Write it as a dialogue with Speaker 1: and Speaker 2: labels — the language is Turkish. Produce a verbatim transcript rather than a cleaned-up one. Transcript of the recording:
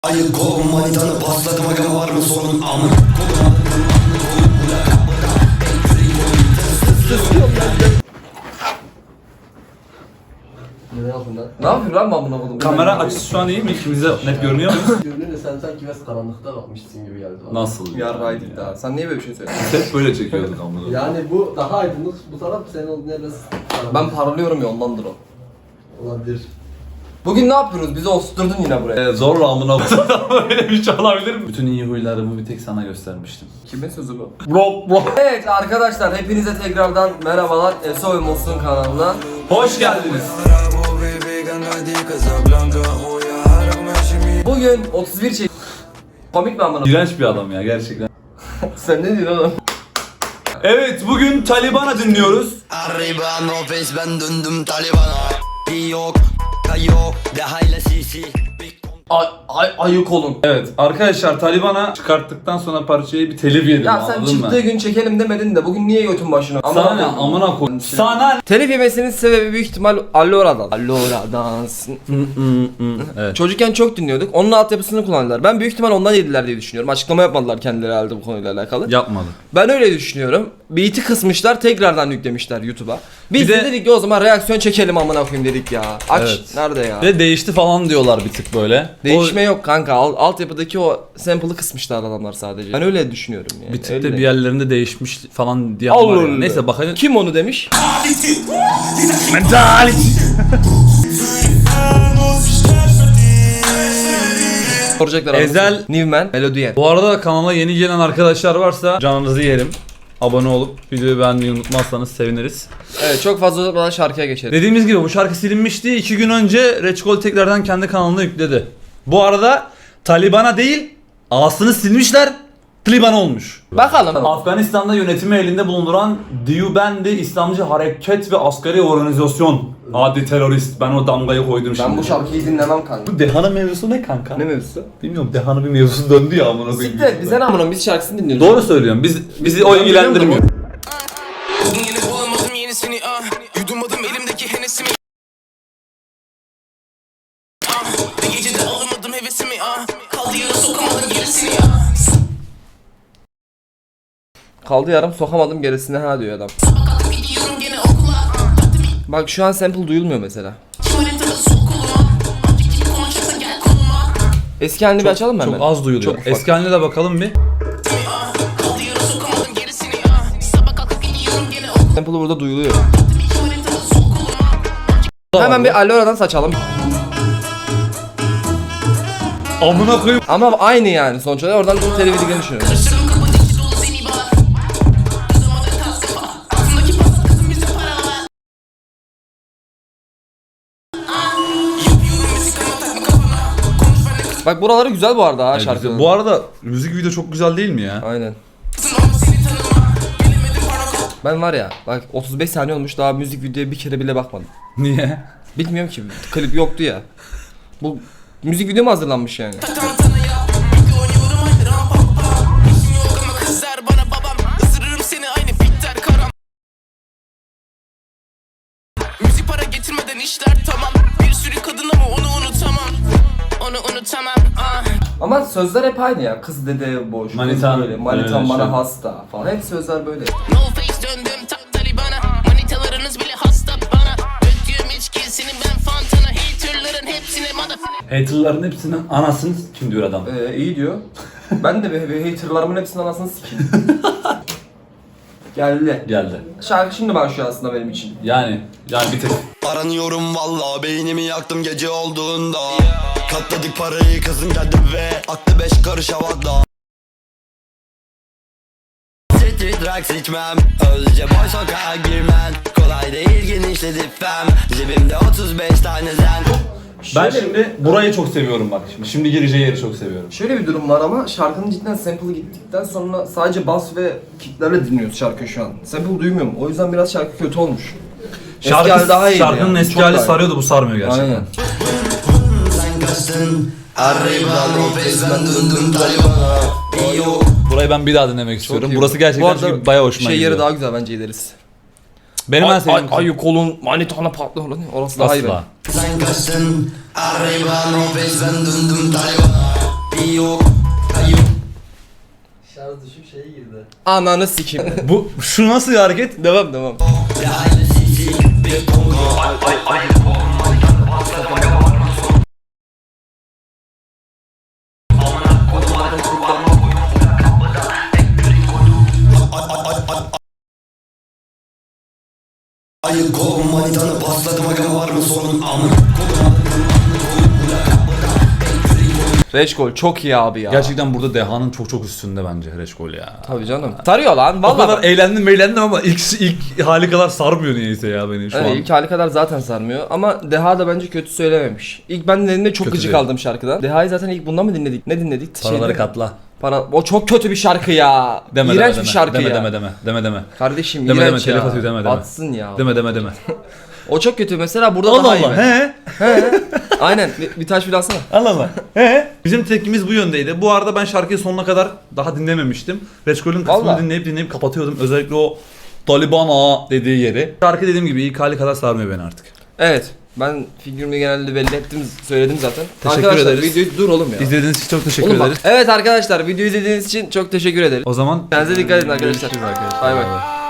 Speaker 1: Ayık kolum manitanı pasladım aga var mı sorun amın.
Speaker 2: Ne yapıyorsun lan? Ne yapıyorsun lan ben buna buldum?
Speaker 3: Kamera açısı şu an iyi mi? İkimiz de net görünüyor muyuz?
Speaker 2: Görünüyor da sen sanki biraz karanlıkta bakmışsın gibi geldi bana.
Speaker 3: Nasıl?
Speaker 2: Yarraydık daha. Sen niye böyle bir şey söylüyorsun?
Speaker 3: Hep böyle çekiyorduk ama.
Speaker 2: Yani bu daha aydınlık, bu taraf senin olduğun yer biraz karanlık. Ben parlıyorum ya ondandır o. Olabilir. Bugün ne yapıyoruz? Bizi osturdun yine buraya.
Speaker 3: Ee, zorla amına böyle bir şey olabilir mi? Bütün iyi huylarımı bir tek sana göstermiştim.
Speaker 2: Kimin sözü bu?
Speaker 3: Bro bro.
Speaker 2: Evet arkadaşlar hepinize tekrardan merhabalar. Eso ve Mosun kanalına.
Speaker 3: Hoş geldiniz.
Speaker 2: Bugün otuz bir çek... Komik mi amına?
Speaker 3: İğrenç bir adam ya gerçekten.
Speaker 2: Sen ne diyorsun oğlum?
Speaker 3: Evet bugün Taliban'a dinliyoruz.
Speaker 1: Arriba no face ben döndüm Taliban'a. Yok kayo de hayla sisi.
Speaker 2: Ay, ay, ayık olun.
Speaker 3: Evet arkadaşlar Taliban'a çıkarttıktan sonra parçayı bir telif yedim,
Speaker 2: Ya sen
Speaker 3: anladın
Speaker 2: çıktığı
Speaker 3: mı?
Speaker 2: gün çekelim demedin de bugün niye götün başına?
Speaker 3: Sana ne amına koy. Sana ne?
Speaker 2: Telif yemesinin sebebi büyük ihtimal Allora'dan. Allora'dan.
Speaker 3: Evet.
Speaker 2: Çocukken çok dinliyorduk. Onun altyapısını kullandılar. Ben büyük ihtimal ondan yediler diye düşünüyorum. Açıklama yapmadılar kendileri herhalde bu konuyla alakalı.
Speaker 3: Yapmadı.
Speaker 2: Ben öyle düşünüyorum. Beat'i kısmışlar, tekrardan yüklemişler YouTube'a. Biz
Speaker 3: Bir
Speaker 2: de,
Speaker 3: de-
Speaker 2: dedik ki o zaman reaksiyon çekelim amına koyayım dedik ya. Aç
Speaker 3: Evet.
Speaker 2: nerede ya?
Speaker 3: Ve değişti falan diyorlar bir tık böyle.
Speaker 2: Değişme yok kanka. Al, altyapıdaki o sample'ı kısmışlar adamlar sadece. Ben öyle düşünüyorum yani.
Speaker 3: Bir tık
Speaker 2: Öyle
Speaker 3: da
Speaker 2: de.
Speaker 3: bir yerlerinde değişmiş falan diye
Speaker 2: Allah
Speaker 3: var ya.
Speaker 2: Allah.
Speaker 3: Neyse bakalım.
Speaker 2: Kim onu demiş? Soracaklar
Speaker 3: Ezel-
Speaker 2: adamı. Newman, Melodien.
Speaker 3: Bu arada kanala yeni gelen arkadaşlar varsa canınızı yerim. Abone olup videoyu beğenmeyi unutmazsanız seviniriz.
Speaker 2: Evet çok fazla uzatmadan şarkıya geçelim.
Speaker 3: Dediğimiz gibi bu şarkı silinmişti. iki gün önce Reçkol tekrardan kendi kanalına yükledi. Bu arada Taliban'a değil A'sını silmişler. Taliban olmuş.
Speaker 2: Bakalım.
Speaker 3: Afganistan'da yönetimi elinde bulunduran Diyubendi İslamcı Hareket ve Askeri Organizasyon. Adi terörist. Ben o damgayı koydum şimdi.
Speaker 2: Ben bu şarkıyı dinlemem kanka.
Speaker 3: Bu Deha'nın mevzusu ne kanka?
Speaker 2: Ne mevzusu?
Speaker 3: Bilmiyorum, Deha'nın bir mevzusu döndü ya amına koyayım.
Speaker 2: Siktir bize ne amına biz şarkısını dinliyoruz.
Speaker 3: Doğru söylüyorum. Biz bizi o ilgilendirmiyor.
Speaker 4: Bugün yine bulamadım yenisini ah Yudumladım elimdeki henesimi ah Bir gecede alamadım hevesimi ah Kaldı yarı sokamadım gerisini ah
Speaker 2: Kaldı yarım sokamadım gerisine ha diyor adam.
Speaker 4: Kalkıp gidiyorum gene okula Baktım
Speaker 2: Bak şu an sample duyulmuyor mesela.
Speaker 4: kim haritada sok koluma Artık kim konuşacaksa gel koluma
Speaker 2: Eski halini bir açalım mı hemen?
Speaker 3: Çok az duyuluyor.
Speaker 2: Çok ufak.
Speaker 3: Eski haline de bakalım bir.
Speaker 4: ah Kaldı yarı sokamadım gerisini ah Sabah kalkıp gidiyorum gene okula
Speaker 2: Sample burada duyuluyor.
Speaker 4: Kim haritada sok koluma
Speaker 2: Hemen bir Allora'dan saçalım.
Speaker 3: Amına koyayım.
Speaker 2: Ama aynı yani sonuç olarak oradan bir televizyon düşünüyorum.
Speaker 4: Karıştırdım kapı dikti dolu seni bağır Kızamadı tas kafa Altındaki pasat kızım bize para var Yapıyorum müzik ama takma kafana Konuş benimle kız
Speaker 2: Bak buraları güzel bu arada ha
Speaker 3: Evet,
Speaker 2: şarkının.
Speaker 3: bu arada müzik video çok güzel değil mi ya?
Speaker 2: Aynen.
Speaker 4: kızın ama seni tanıma Gelemedim parmak
Speaker 2: Ben var ya bak otuz beş saniye olmuş daha müzik videoya bir kere bile bakmadım.
Speaker 3: Niye?
Speaker 2: Bilmiyorum ki klip yoktu ya. Bu müzik video mu hazırlanmış yani?
Speaker 4: Tantana yap Bir oynuyorum aynı ram pam pam İşim yok ama kızlar bana babam Isırırım seni aynı bitter karam Müzik para getirmeden işler tamam Bir sürü kadın ama onu unutamam Onu unutamam ah
Speaker 2: Ama sözler hep aynı ya. Kız dede boş.
Speaker 3: Manitan,
Speaker 2: kız böyle. Manitan
Speaker 3: öyle
Speaker 2: bana
Speaker 3: şey.
Speaker 2: hasta falan. Hep sözler böyle.
Speaker 4: No face döndüm ta Taliban'a Manitalarınız bile hasta bana Döktüğüm içkisini ben fantana Haterların hepsine motherfucker
Speaker 3: Haterların hepsinin anasını kim diyor adam.
Speaker 2: Ee, iyi diyor. Ben de bir, bir haterlarımın hepsinin anasını sikeyim. Geldi.
Speaker 3: Geldi.
Speaker 2: Şarkı şimdi başlıyor aslında benim için.
Speaker 3: Yani yani bir tek.
Speaker 1: Aranıyorum valla beynimi yaktım gece olduğunda. Katladık parayı kızım geldi ve aklı beş karış havada. City drugs içmem Özce boy sokağa girmen Kolay değil genişledi fem Cebimde otuz beş tane zen.
Speaker 3: Ben
Speaker 2: Şöyle-
Speaker 3: şimdi burayı çok seviyorum bak şimdi. Şimdi gireceği yeri çok seviyorum.
Speaker 2: Şöyle bir durum var ama şarkının cidden sample'ı gittikten sonra sadece bas ve kicklerle dinliyoruz şarkıyı şu an. Sample duymuyorum. O yüzden biraz şarkı kötü olmuş. Eski hali
Speaker 3: Şarkı,
Speaker 2: daha iyiydi
Speaker 3: şarkının
Speaker 2: yani.
Speaker 3: eski
Speaker 2: Çok
Speaker 3: hali
Speaker 2: daha iyi.
Speaker 3: sarıyordu, bu sarmıyor gerçekten.
Speaker 2: Aynen.
Speaker 1: Sen kaçtın Arriba no face ben döndüm Taliban'a. Yo.
Speaker 3: Burayı ben bir daha dinlemek istiyorum.
Speaker 2: iyi.
Speaker 3: Burası
Speaker 2: Bu
Speaker 3: gerçekten
Speaker 2: arada
Speaker 3: çünkü bayağı hoşuma
Speaker 2: şey
Speaker 3: gidiyor.
Speaker 2: yeri daha güzel bence gideriz.
Speaker 3: Benim en sevdiğim kısım.
Speaker 2: Ay kolun manitana patlıyor orası daha iyi.
Speaker 3: Asla.
Speaker 1: Sen kaçtın Arriba no face ben döndüm Taliban'a.
Speaker 3: şeye girdi.
Speaker 2: Ananı sikeyim.
Speaker 3: Bu şu nasıl bir hareket?
Speaker 2: Devam devam.
Speaker 1: Ayı kolum manitanı pasladım aga var mı sorun amın.
Speaker 2: Reçkol çok iyi abi ya.
Speaker 3: Gerçekten burada Deha'nın çok çok üstünde bence Reçkol ya.
Speaker 2: Tabii canım. Sarıyor lan
Speaker 3: O
Speaker 2: vallahi.
Speaker 3: kadar eğlendim eğlendim ama ilk ilk hali kadar sarmıyor niyeyse ya beni şu
Speaker 2: Evet,
Speaker 3: an.
Speaker 2: ilk hali kadar zaten sarmıyor ama Deha da bence kötü söylememiş. İlk ben dinlediğimde çok
Speaker 3: Kötü
Speaker 2: gıcık
Speaker 3: değil.
Speaker 2: aldım şarkıdan. Deha'yı zaten ilk bundan mı dinledik? Ne dinledik?
Speaker 3: Paraları
Speaker 2: Şeyde-
Speaker 3: katla.
Speaker 2: Para... O çok kötü bir şarkı ya.
Speaker 3: Deme
Speaker 2: İğrenç
Speaker 3: deme
Speaker 2: bir
Speaker 3: deme.
Speaker 2: şarkı
Speaker 3: deme,
Speaker 2: ya.
Speaker 3: deme deme deme deme.
Speaker 2: Kardeşim
Speaker 3: Deme,
Speaker 2: iğrenç
Speaker 3: deme,
Speaker 2: ya.
Speaker 3: telif atıyor, deme, deme.
Speaker 2: Atsın ya.
Speaker 3: Deme deme deme.
Speaker 2: O çok kötü mesela burada
Speaker 3: Allah
Speaker 2: daha iyi.
Speaker 3: Allah.
Speaker 2: bence.
Speaker 3: He.
Speaker 2: Aynen bir, bir taş bir alsana.
Speaker 3: Allah Allah. He. Bizim tepkimiz bu yöndeydi. Bu arada ben şarkıyı sonuna kadar daha dinlememiştim. Reçkol'ün kısmını
Speaker 2: Vallahi.
Speaker 3: dinleyip dinleyip kapatıyordum. Özellikle o Taliban ağa dediği yeri. Şarkı dediğim gibi ilk hali kadar sarmıyor beni artık.
Speaker 2: Evet. Ben figürümü genelde belli ettim, söyledim zaten.
Speaker 3: Teşekkür
Speaker 2: arkadaşlar
Speaker 3: ederiz.
Speaker 2: videoyu dur oğlum ya.
Speaker 3: İzlediğiniz için çok teşekkür
Speaker 2: Oğlum bak.
Speaker 3: ederiz.
Speaker 2: Evet arkadaşlar videoyu izlediğiniz için çok teşekkür ederim.
Speaker 3: O zaman
Speaker 2: Kendinize dikkat edin arkadaşlar.
Speaker 3: görüşürüz arkadaşlar.
Speaker 2: Bay bay.